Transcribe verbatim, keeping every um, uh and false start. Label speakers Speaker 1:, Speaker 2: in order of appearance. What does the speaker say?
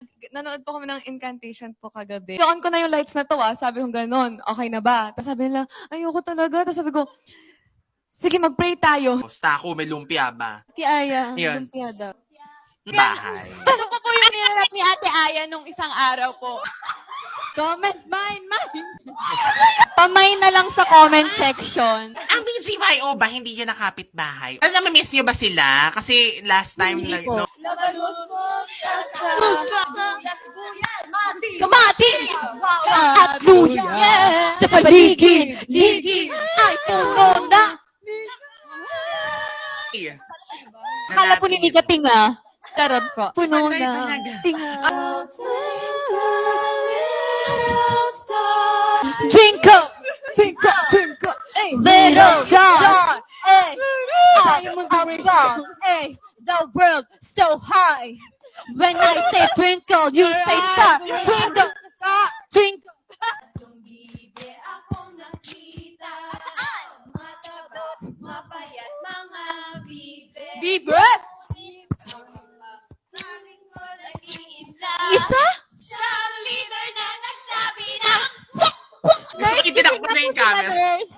Speaker 1: Nanood po kami ng Incantation po kagabi. I-on ko na yung lights na to ah. Sabi ko gano'n, okay na ba? Tapos sabi nila, ayoko talaga. Tapos sabi ko, sige mag-pray tayo.
Speaker 2: Basta ako, may lumpia ba?
Speaker 3: Ate Aya,
Speaker 2: Yun.
Speaker 3: lumpia daw.
Speaker 2: Bahay.
Speaker 3: Ito po po yung nirarap ni Ate Aya nung isang araw po.
Speaker 1: Comment, mine, mine.
Speaker 3: Pamay na lang sa comment section.
Speaker 2: Ang B G Y O ba, hindi yun nakapit bahay? Alam na, miss nyo ba sila? Kasi last time,
Speaker 3: Hindi
Speaker 2: nag,
Speaker 3: po.
Speaker 2: no,
Speaker 3: Kamatis! At luya! Sa paligid! Ligid! Ay, puno na! Akala po ni Mika tinga. Charot po. Puno
Speaker 2: Patay
Speaker 3: na.
Speaker 2: talaga.
Speaker 3: Tinga. Twinkle!
Speaker 1: Twinkle, twinkle, eh.
Speaker 3: Little star! Hey! I'm above! Hey! The world so high! When I say twinkle, you say star! Twinkle! Star! Twinkle! Bibe? Isa?
Speaker 2: Gusto ko itinakbo na yung camera.
Speaker 3: Nurse.